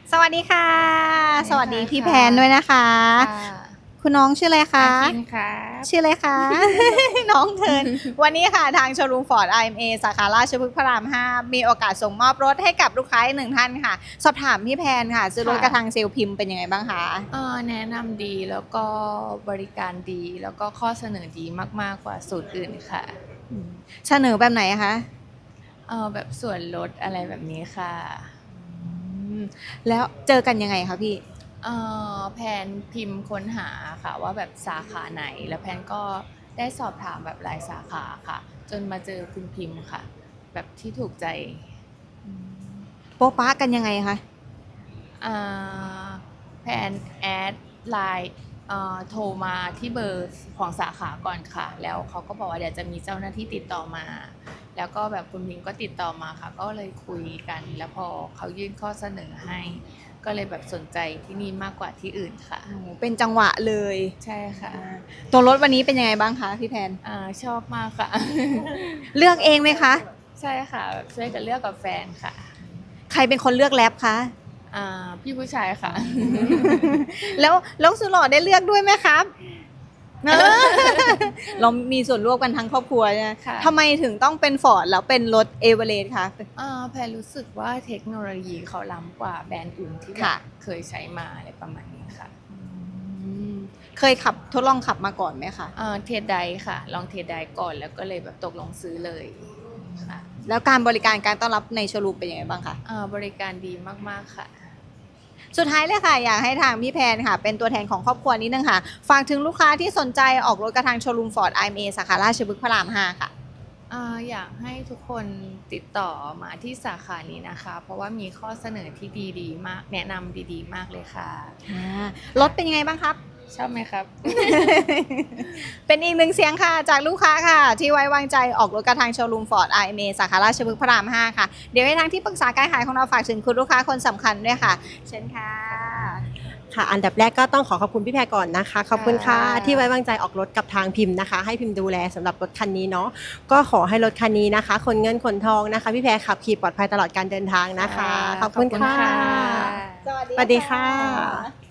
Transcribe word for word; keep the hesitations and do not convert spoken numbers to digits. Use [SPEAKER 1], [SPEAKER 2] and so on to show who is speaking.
[SPEAKER 1] สวัสดีค่ะ สวัสดีพี่แพนด้วยนะคะ คุณน้องชื่ออะไรคะ
[SPEAKER 2] คินค่ะ
[SPEAKER 1] ชื่ออะไรคะ น้องเทิร์นวันนี้ค่ะทางโชว์รูมฟอร์ด ไอ เอ็ม เอ สาขาราชพฤกษ์พระรามห้ามีโอกาสส่งมอบรถให้กับลูกค้าอีกหนึ่งท่านค่ะ สอบถามพี่แพนค่ะ ซื้อรถกระทางเซลล์พิมพ์เป็นยังไงบ้างคะ
[SPEAKER 2] เออแนะนำดีแล้วก็บริการดีแล้วก็ข้อเสนอดีมากๆกว่าสูตรอื่นค่ะ
[SPEAKER 1] เสนอแบบไหนคะ
[SPEAKER 2] เออแบบส่วนลดอะไรแบบนี้ค่ะ
[SPEAKER 1] แล้วเจอกันยังไงคะพี่
[SPEAKER 2] เออแพนพิมพ์ค้นหาค่ะว่าแบบสาขาไหนแล้วแพนก็ได้สอบถามแบบหลายสาขาค่ะจนมาเจอคุณพิมพ์ค่ะแบบที่ถูกใจ
[SPEAKER 1] โป๊ะป๊ากันยังไงคะ
[SPEAKER 2] แพนแอดไลน์โทรมาที่เบอร์ของสาขาก่อนค่ะแล้วเขาก็บอกว่าเดี๋ยวจะมีเจ้าหน้าที่ติดต่อมาแล้วก็แบบคุณพิมก็ติดต่อมาค่ะก็เลยคุยกันแล้วพอเขายื่นข้อเสนอให้ก็เลยแบบสนใจที่นี่มากกว่าที่อื่นค่ะ
[SPEAKER 1] เป็นจังหวะเลย
[SPEAKER 2] ใช่ค่ะ
[SPEAKER 1] ตัวรถวันนี้เป็นยังไงบ้างคะพี่แพน
[SPEAKER 2] อชอบมากค่ะ
[SPEAKER 1] เลือกเองไหมคะ
[SPEAKER 2] ใช่ค่ะช่วยกันเลือกกับแฟนค่ะ
[SPEAKER 1] ใครเป็นคนเลือกแรปคะ
[SPEAKER 2] พี่ผู้ชายค่ะ
[SPEAKER 1] แล้วแล้วสุดหล่อได้เลือกด้วยไหมครับเรามีส่วนร่วมกันทั้งครอบครัวใช่ไหมทำไมถึงต้องเป็นฟอร์ดแล้วเป็นรถเอเวอเรสต์คะ
[SPEAKER 2] แพรรู้สึกว่าเทคโนโลยีเขาล้ำกว่าแบรนด์อื่นที่แบบเคยใช้มาอะไรประมาณนี้ค่ะ
[SPEAKER 1] เคยขับทดลองขับมาก่อนไหมคะ
[SPEAKER 2] เทสไดค่ะลองเทสไดก่อนแล้วก็เลยแบบตกลงซื้อเลยค่ะ
[SPEAKER 1] แล้วการบริการการต้อนรับในโชว์รูมเป็นยังไงบ้างคะ
[SPEAKER 2] บริการดีมากๆค่ะ
[SPEAKER 1] สุดท้ายเลยค่ะอยากให้ทางพี่แพนค่ะเป็นตัวแทนของครอบครัวนิดนึงค่ะฝากถึงลูกค้าที่สนใจออกรถกระทางโชว์รูมฟอร์ด ไอ เอ็ม เอ สาขาราชพฤกษ์พระรามห้าค่ะ
[SPEAKER 2] อยากให้ทุกคนติดต่อมาที่สาขานี้นะคะเพราะว่ามีข้อเสนอที่ดีๆมากแนะนำดีๆมากเลยค่ะ
[SPEAKER 1] รถเป็นยังไงบ้างครับ
[SPEAKER 2] ชอบไหมครับ
[SPEAKER 1] เป็นอีกหนึ่งเสียงค่ะจากลูกค้าค่ะที่ไว้วางใจออกรถกระทางโชว์รูมฟอร์ด ไอ เอ็ม เอ สาขาราชพฤกษ์พระรามห้าค่ะเดี๋ยวให้ทางที่ปรึกษาการขายของเราฝากถึงคุณลูกค้าคนสำคัญด้วยค่ะเชิญค่ะ
[SPEAKER 3] ค่ะอันดับแรกก็ต้องขอขอบคุณพี่แพรก่อนนะคะขอบคุณค่ะที่ไว้วางใจออกรถกับทางพิมพ์นะคะให้พิมพ์ดูแลสำหรับรถคันนี้เนาะก็ขอให้รถคันนี้นะคะขนเงินขนทองนะคะพี่แพรขับขี่ปลอดภัยตลอดการเดินทางนะคะขอบคุณค่ะ
[SPEAKER 1] สวัสดีค่ะ